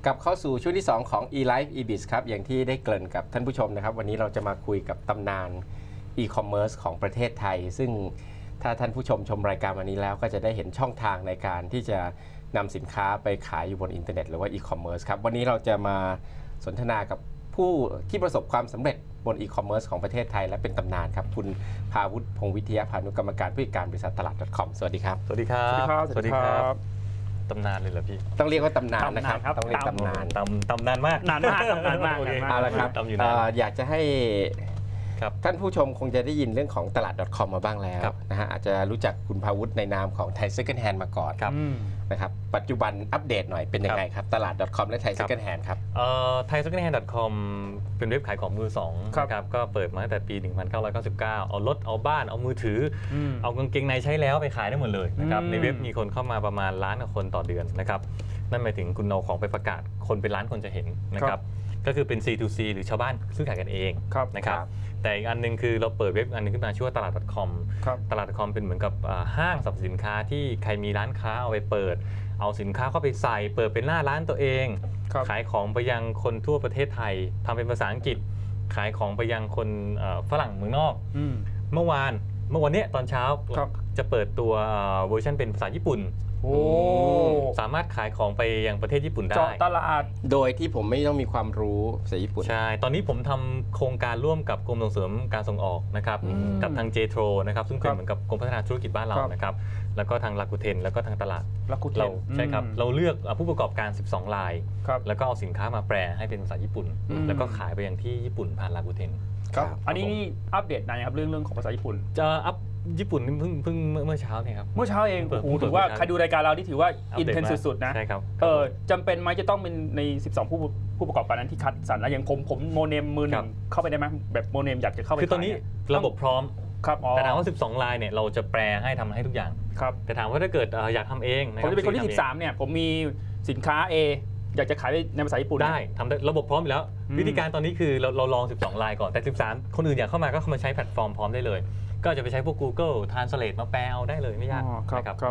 กลับเข้าสู่ช่วงที่ 2 ของ eLife eBiz ครับอย่างที่ได้เกริ่นกับท่านผู้ชมนะครับวันนี้เราจะมาคุยกับตำนาน e-commerce ของประเทศไทยซึ่งถ้าท่านผู้ชมชมรายการวันนี้แล้วก็จะได้เห็นช่องทางในการที่จะนำสินค้าไปขายอยู่บนอินเทอร์เน็ตหรือว่า e-commerce ครับวันนี้เราจะมาสนทนากับผู้ที่ประสบความสำเร็จบน e-commerce ของประเทศไทยและเป็นตำนานครับคุณภาวุฒิพงษ์วิทยาพานุกรรมการผู้จัดการบริษัทตลาด .com สวัสดีครับสวัสดีครับสวัสดีครับตำนานเลยเหรอพี่ต้องเรียกว่าตำนานนะครับต้องเรียกตำนานตำนานมากนานมากเอาละครับอยากจะให้ท่านผู้ชมคงจะได้ยินเรื่องของตลาด .com มาบ้างแล้วนะฮะอาจจะรู้จักคุณภาวุฒิในนามของไทย Second Hand มาก่อนนะครับปัจจุบันอัปเดตหน่อยเป็นยังไงครับตลาด .com และไทย Second Hand ครับไทย Second Hand .com เป็นเว็บขายของมือสองนะครับก็เปิดมาตั้งแต่ปี 1999 เอารถเอาบ้านเอามือถือเอากางเกงในใช้แล้วไปขายได้หมดเลยนะครับในเว็บมีคนเข้ามาประมาณล้านคนต่อเดือนนะครับนั่นหมายถึงคุณเอาของไปประกาศคนเป็นล้านคนจะเห็นนะครับก็คือเป็น C2C หรือชาวบ้านซื้อขายกันเองนะครับแต่อีกอันนึงคือเราเปิดเว็บอันนึงขึ้นมาชื่อว่าตลาด .com ตลาด .com เป็นเหมือนกับห้างสรรพสินค้าที่ใครมีร้านค้าเอาไปเปิดเอาสินค้าเข้าไปใส่เปิดเป็นหน้าร้านตัวเองขายของไปยังคนทั่วประเทศไทยทำเป็นภาษาอังกฤษขายของไปยังคนฝรั่งเมืองนอกเมื่อวานนี้ตอนเช้าจะเปิดตัวเวอร์ชันเป็นภาษาญี่ปุ่นสามารถขายของไปยังประเทศญี่ปุ่นได้เจาะตลาดโดยที่ผมไม่ต้องมีความรู้ภาษาญี่ปุ่นใช่ตอนนี้ผมทำโครงการร่วมกับกรมส่งเสริมการส่งออกนะครับกับทาง JTRO นะครับซึ่งเป็นเหมือนกับกรมพัฒนาธุรกิจบ้านเรานะครับแล้วก็ทางลาคูเทนแล้วก็ทางตลาดเราใช่ครับเราเลือกผู้ประกอบการ12รายแล้วก็เอาสินค้ามาแปลให้เป็นภาษาญี่ปุ่นแล้วก็ขายไปยังที่ญี่ปุ่นผ่านลาคูเทนอันนี้อัปเดตนานครับเรื่องของภาษาญี่ปุ่นจะอัพญี่ปุ่นเพิ่งเมื่อเช้าเนี่ยครับเมื่อเช้าเองโอ้โหถือว่าใครดูรายการเราที่ถือว่าอินเทนสุดๆนะใช่ครับจำเป็นไหมจะต้องเป็นใน12ผู้ประกอบการนั้นที่คัดสรรแล้วอย่างผมโมเนมมือหนึ่งเข้าไปได้ไหมแบบโมเนมอยากจะเข้าไปคือตอนนี้ระบบพร้อมครับแต่ถามว่า12รายเนี่ยเราจะแปลให้ทำให้ทุกอย่างครับแต่ถามว่าถ้าเกิดอยากทำเองผมจะเป็นคนที่13เนี่ยผมมีสินค้า A อยากจะขายในภาษาญี่ปุ่นได้ทำได้ระบบพร้อมอยู่แล้ววิธีการตอนนี้คือเราลอง12รายก่อนแต่13คนอื่นอยากเข้ามาก็เข้ามาใช้แพลตฟอร์มพร้อมได้เลยก็จะไปใช้พวก Google Translate มาแปลเอาได้เลยไม่ยากครับ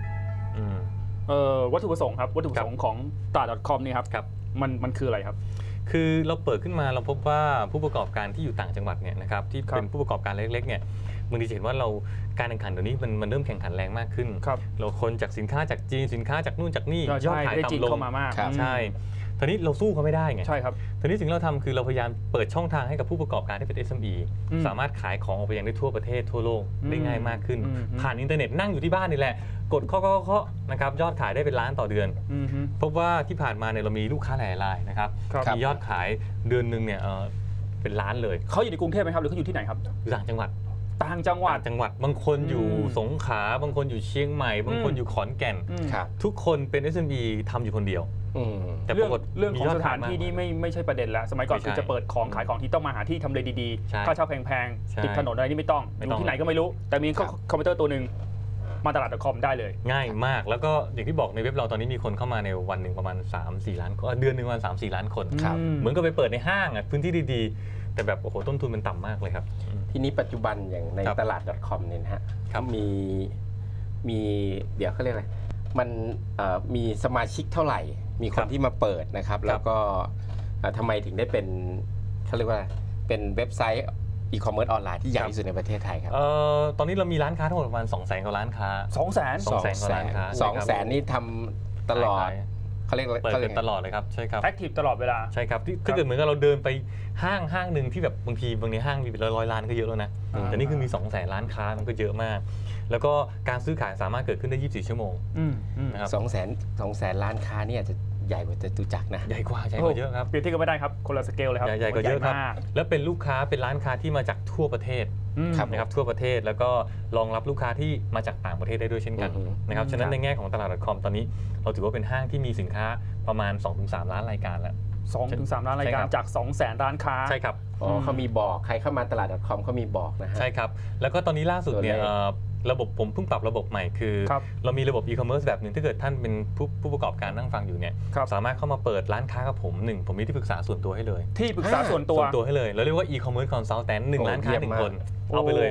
วัตถุประสงค์ครับวัตถุประสงค์ของตลาด .com นี่ครับมันคืออะไรครับคือเราเปิดขึ้นมาเราพบว่าผู้ประกอบการที่อยู่ต่างจังหวัดเนี่ยนะครับที่เป็นผู้ประกอบการเล็กๆเนี่ยบางทีเห็นว่าเราการแข่งขันเดี๋ยวนี้มันเริ่มแข่งขันแรงมากขึ้นเราคนจากสินค้าจากจีนสินค้าจากนู่นจากนี่ยอดขายต่ำลงใช่ทีนี้เราสู้เขาไม่ได้ไงใช่ครับทีนี้สิ่งที่เราทำคือเราพยายามเปิดช่องทางให้กับผู้ประกอบการที่เป็น SME สามารถขายของออกไปยังได้ทั่วประเทศทั่วโลกได้ง่ายมากขึ้นผ่านอินเทอร์เน็ตนั่งอยู่ที่บ้านนี่แหละกดเคาะนะครับยอดขายได้เป็นล้านต่อเดือนพบว่าที่ผ่านมาเนี่ยเรามีลูกค้าหลายรายนะครับมียอดขายเดือนหนึ่งเนี่ยเป็นล้านเลยเขาอยู่ในกรุงเทพไหมครับหรือเขาอยู่ที่ไหนครับอยู่ต่างจังหวัดบางคนอยู่สงขลาบางคนอยู่เชียงใหม่บางคนอยู่ขอนแก่นทุกคนเป็น SME ทำอยู่คนเดียวแต่เรื่องของสถานที่นี่ไม่ใช่ประเด็นแล้วสมัยก่อนคือจะเปิดของขายของที่ต้องมาหาที่ทำเลดีๆค่าเช่าแพงๆติดถนนอะไรนี่ไม่ต้องอยู่ที่ไหนก็ไม่รู้แต่มีคอมพิวเตอร์ตัวหนึ่งมาตลาด .com ได้เลยง่ายมากแล้วก็อย่างที่บอกในเว็บเราตอนนี้มีคนเข้ามาในวันหนึ่งประมาณ 3-4 ล้านเดือนหนึ่งวัน 3-4 ล้านคนเหมือนกับไปเปิดในห้างพื้นที่ดีๆแต่แบบโอ้โหต้นทุนมันต่ำมากเลยครับทีนี้ปัจจุบันอย่างในตลาด .com เนี่ยนะฮะมีเดี๋ยวเขาเรียกอะไรมันมีสมาชิกเท่าไหร่มีคนที่มาเปิดนะครับแล้วก็ทำไมถึงได้เป็นเขาเรียกว่าเป็นเว็บไซต์อีคอมเมิร์ซออนไลน์ที่ใหญ่ที่สุดในประเทศไทยครับตอนนี้เรามีร้านค้าทั้งหมดประมาณ 200,000 กว่าร้านค้า 200,000 กว่าร้านค้า 200,000 นี่ทำตลอดเขาเรียกเปิดเป็นตลอดเลยครับใช่ครับแอคทีฟตลอดเวลาใช่ครับถ้าเกิดเหมือนกับเราเดินไปห้างหนึ่งที่แบบบางทีห้างมีเป็นร้อยล้านก็เยอะแล้วนะแต่นี่คือมี 200,000 ร้านค้ามันก็เยอะมากแล้วก็การซื้อขายสามารถเกิดขึ้นได้24 ชั่วโมงนะครับ200,000 ล้านค้านี่อาจจะใหญ่กว่าจตุจักรนะใหญ่กว่าเยอะครับเปรียบเทียบกันไม่ได้ครับคนละสเกลเลยครับใหญ่กว่าเยอะครับแล้วเป็นลูกค้าเป็นร้านค้าที่มาจากทั่วประเทศนะครับทั่วประเทศแล้วก็รองรับลูกค้าที่มาจากต่างประเทศได้ด้วยเช่นกันนะครับฉะนั้นในแง่ของตลาด .com ตอนนี้เราถือว่าเป็นห้างที่มีสินค้าประมาณ 2-3 ล้านรายการแล้ว 2-3 ล้านรายการจาก 200,000 ร้านค้าใช่ครับเขามีบอกใครเข้ามาตลาด .com เขามีบอกนะฮะใช่ครับแล้วก็ตอนนี้ล่าสุดเนี่ยระบบผมเพิ่งปรับระบบใหม่คือเรามีระบบ e-commerce แบบหนึ่งถ้าเกิดท่านเป็นผู้ประกอบการนั่งฟังอยู่เนี่ยสามารถเข้ามาเปิดร้านค้ากับผมมีที่ปรึกษาส่วนตัวให้เลยที่ปรึกษาส่วนตัวให้เลยเราเรียกว่า e-commerce consultant 1 ร้านค้า1 คนเอาไปเลย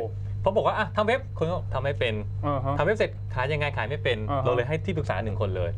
เพราะบอกว่าทำเว็บคนก็ทำไม่เป็นทำเว็บเสร็จขายยังไงขายไม่เป็นเราเลยให้ที่ปรึกษา1 คนเลย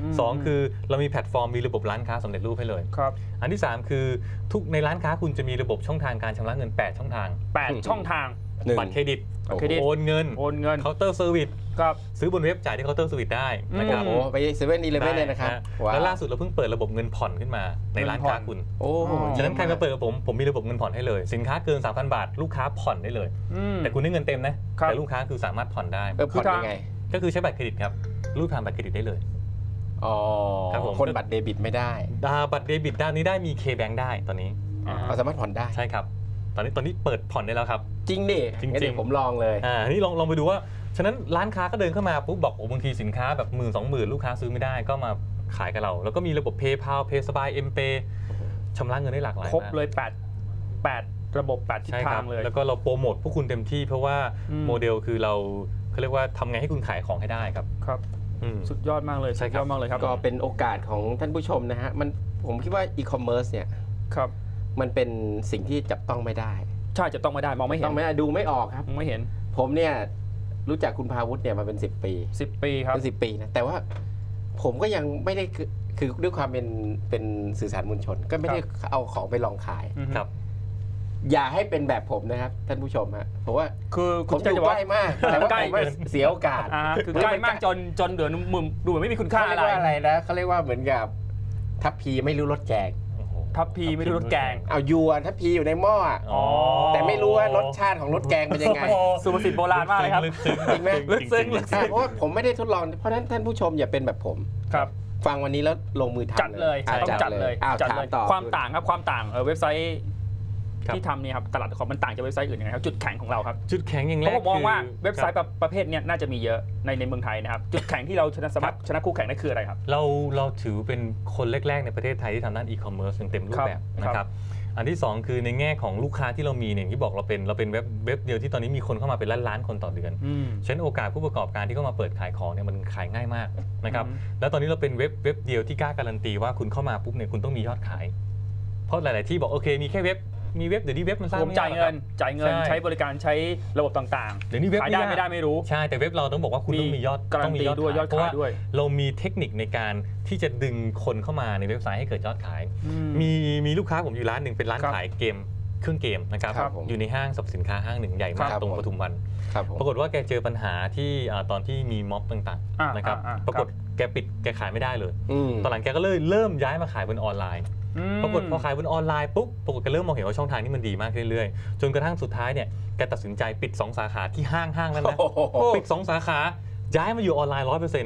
2คือเรามีแพลตฟอร์มมีระบบร้านค้าสำเร็จรูปให้เลยอันที่3คือทุกในร้านค้าคุณจะมีระบบช่องทางการชำระเงิน8 ช่องทาง 8 ช่องทางบัตรเครดิตโอนเงินเคาน์เตอร์เซอร์วิสซื้อบนเว็บจ่ายที่เคาน์เตอร์เซอร์วิสได้นะครับไป7-11เลยนะครับแล้วล่าสุดเราเพิ่งเปิดระบบเงินผ่อนขึ้นมาในร้านค้าคุณฉะนั้นใครมาเปิดกับผมมีระบบเงินผ่อนให้เลยสินค้าเกิน 3,000 บาทลูกค้าผ่อนได้เลยแต่คุณได้เงินเต็มนะแต่ลูกค้าคือสามารถผ่อนได้ผ่อนยังไงก็คือใช้บัตรเครดิตครับรูดผ่านบัตรเครดิตได้เลยคนบัตรเดบิตไม่ได้บัตรเดบิตด้านนี้ได้มี K-Bank ได้ตอนนี้สามารถผ่อนได้ใช่ครับตอนนี้เปิดผ่อนได้แล้วครับจริงดิจริงผมลองเลยนี่ลองไปดูว่าฉะนั้นร้านค้าก็เดินเข้ามาปุ๊บบอกบางทีสินค้าแบบ10,000-20,000ลูกค้าซื้อไม่ได้ก็มาขายกับเราแล้วก็มีระบบ PayPal PaySby M-Pay ชำระเงินได้หลากหลายครบเลย8ระบบ8ทิศทางเลยแล้วก็เราโปรโมทพวกคุณเต็มที่เพราะว่าโมเดลคือเราเรียกว่าทำไงให้คุณขายของให้ได้ครับสุดยอดมากเลยสุดยอดมากเลยครับก็เป็นโอกาสของท่านผู้ชมนะฮะผมคิดว่าอีคอมเมิร์ซเนี่ยมันเป็นสิ่งที่จับต้องไม่ได้ใช่จะต้องไม่ได้มองไม่เห็นต้องไม่ได้ดูไม่ออกครับไม่เห็นผมเนี่ยรู้จักคุณภาวุฒิเนี่ยมาเป็น10 ปีครับเป็น10 ปีนะแต่ว่าผมก็ยังไม่ได้คือด้วยความเป็นสื่อสารมวลชนก็ไม่ได้เอาของไปลองขายครับอย่าให้เป็นแบบผมนะครับท่านผู้ชมฮะเพราะว่าผมอยู่ใกล้มากแต่ว่าผมเสียโอกาสคือใกล้มากจนเดือดมุมดูเหมือนไม่มีคุณค่าอะไรนะเขาเรียกว่าเหมือนกับทัพพีไม่รู้รสแกงทัพพีไม่รู้รสแกงเอายวนทัพพีอยู่ในหม้อแต่ไม่รู้ว่ารสชาติของรสแกงเป็นยังไงสุภาษิตโบราณมากเลยครับจริงไหมลึกซึ้งเพราะว่าผมไม่ได้ทดลองเพราะฉะนั้นท่านผู้ชมอย่าเป็นแบบผมฟังวันนี้แล้วลงมือทำจัดเลยต้องจัดเลยความต่างครับความต่างเว็บไซต์ที่ทำนี่ครับตลาดคอมมันต่างจากเว็บไซต์อื่นยังไงครับจุดแข็งของเราครับจุดแข็งอย่างแรกผมมองว่าเว็บไซต์ประเภทนี้น่าจะมีเยอะในเมืองไทยนะครับจุดแข็งที่เราชนะคู่แข่งนั่นคืออะไรครับเราถือเป็นคนแรกๆในประเทศไทยที่ทำด้านอีคอมเมิร์ซเต็มรูปแบบนะครับอันที่2คือในแง่ของลูกค้าที่เรามีเนี่ยที่บอกเราเป็นเว็บเดียวที่ตอนนี้มีคนเข้ามาเป็นล้านคนต่อเดือนฉะนั้นโอกาสผู้ประกอบการที่เข้ามาเปิดขายของเนี่ยมันขายง่ายมากนะครับแล้วตอนนี้เราเป็นเว็บเดียวที่กล้าการันตีว่าคุณเข้ามาปุ๊บเนี่ยคุณต้องมียอดขายเพราะหลายๆที่บอกโอเคมีแค่เว็บเดี๋ยวนี้เว็บมันสร้างจ่ายเงินใช้บริการใช้ระบบต่างๆเดี๋ยวนี้เว็บขายได้ไม่ได้ไม่รู้ใช่แต่เว็บเราต้องบอกว่าคุณต้องมียอดต้องมียอดด้วยยอดขายด้วยเรามีเทคนิคในการที่จะดึงคนเข้ามาในเว็บไซต์ให้เกิดยอดขายมีลูกค้าผมอยู่ร้านหนึ่งเป็นร้านขายเกมเครื่องเกมนะครับอยู่ในห้างสรรพสินค้าห้างหนึ่งใหญ่มากตรงปทุมวันปรากฏว่าแกเจอปัญหาที่ตอนที่มีม็อบต่างๆนะครับปรากฏแกปิดแกขายไม่ได้เลยตอนหลังแกก็เลยเริ่มย้ายมาขายบนออนไลน์ปรากฏพอขายบนออนไลน์ปุ๊บปรากฏแกเริ่มมองเห็นว่าช่องทางนี้มันดีมากเรื่อยๆจนกระทั่งสุดท้ายเนี่ยแกตัดสินใจปิด2 สาขาที่ห้างนั้นนะปิด2 สาขาย้ายมาอยู่ออนไลน์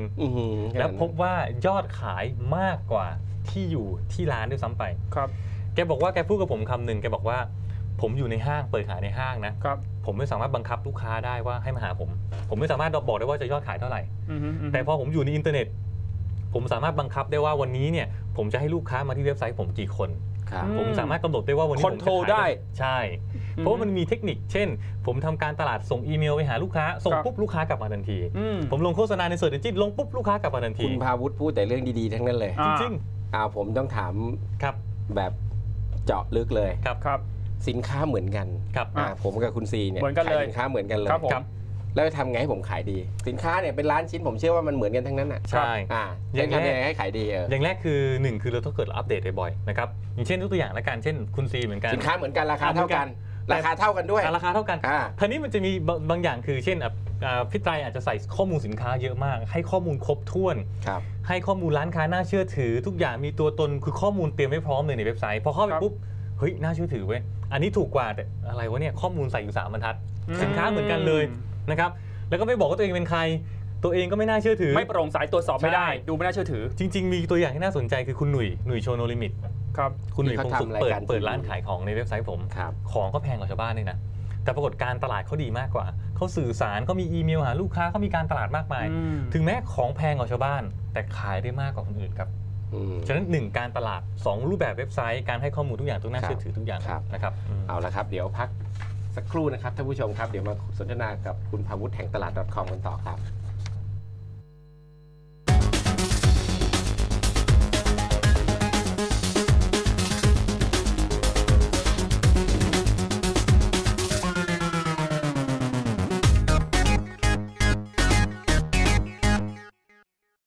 100% แล้วพบว่ายอดขายมากกว่าที่อยู่ที่ร้านด้วยซ้ำไปแกบอกว่าแกพูดกับผมคำหนึ่งแกบอกว่าผมอยู่ในห้างเปิดขายในห้างนะผมไม่สามารถบังคับลูกค้าได้ว่าให้มาหาผมไม่สามารถบอกได้ว่าจะยอดขายเท่าไหร่แต่พอผมอยู่ในอินเทอร์เน็ตผมสามารถบังคับได้ว่าวันนี้เนี่ยผมจะให้ลูกค้ามาที่เว็บไซต์ผมกี่คนผมสามารถกำหนดได้ว่าวันนี้ผมจะขายได้ใช่เพราะมันมีเทคนิคเช่นผมทำการตลาดส่งอีเมลไปหาลูกค้าส่งปุ๊บลูกค้ากลับมาทันทีผมลงโฆษณาในเสิร์ชเอนจินลงปุ๊บลูกค้ากลับมาทันทีคุณภาวุฒิพูดแต่เรื่องดีๆทั้งนั้นเลยจริงๆผมต้องถามแบบเจาะลึกเลยครับสินค้าเหมือนกันผมกับคุณซีเนี่ยขายสินค้าเหมือนกันเลยแล้วทำไงให้ผมขายดีสินค้าเนี่ยเป็นล้านชิ้นผมเชื่อว่ามันเหมือนกันทั้งนั้นใช่ยังทำยังไงให้ขายดีอย่างแรกคือ1คือเราต้องเกิดอัปเดตบ่อยๆนะครับอย่างเช่นตัวอย่างละกันเช่นคุณซีเหมือนกันสินค้าเหมือนกันราคาเท่ากันด้วยราคาเท่ากันทีนี้มันจะมีบางอย่างคือเช่นพี่ไตรอาจจะใส่ข้อมูลสินค้าเยอะมากให้ข้อมูลครบถ้วนให้ข้อมูลร้านค้าน่าเชื่อถือทุกอย่างมีตัวตนคือข้อมูลเตรียมไว้พร้อมเลยในเว็บไซต์พอเข้าไปปุ๊บเฮ้ยน่าเชื่อถือเว้ยอันนี้ถูกกว่าแต่อะไรวะเนี่ยข้อมูลใส่อยู่3 บรรทัดสินค้าเหมือนกันเลยนะครับแล้วก็ไม่บอกว่าตัวเองเป็นใครตัวเองก็ไม่น่าเชื่อถือไม่โปร่งใสตรวจสอบไม่ได้ดูไม่น่าเชื่อถือจริงๆมีตัวอย่างที่น่าสนใจคือคุณหนุ่ยโชโนลิมิตครับคุณหนุ่ยคงสุขเปิดร้านขายของในเว็บไซต์ผมของก็แพงกว่าชาวบ้านเลยนะแต่ปรากฏการตลาดเขาดีมากกว่าเขาสื่อสารเขามีอีเมลหาลูกค้าเขามีการตลาดมากมายถึงแม้ของแพงกว่าชาวบ้านแต่ขายได้มากกว่าคนอื่นครับฉะนั้น1การตลาด2รูปแบบเว็บไซต์การให้ข้อมูลทุกอย่างต้องน่าเชื่อถือทุกอย่างนะครับเอาละครับเดี๋ยวพักสักครู่นะครับท่านผู้ชมครับเดี๋ยวมาสนทนากับคุณภาวุฒิแห่งตลาด .com กันต่อครับ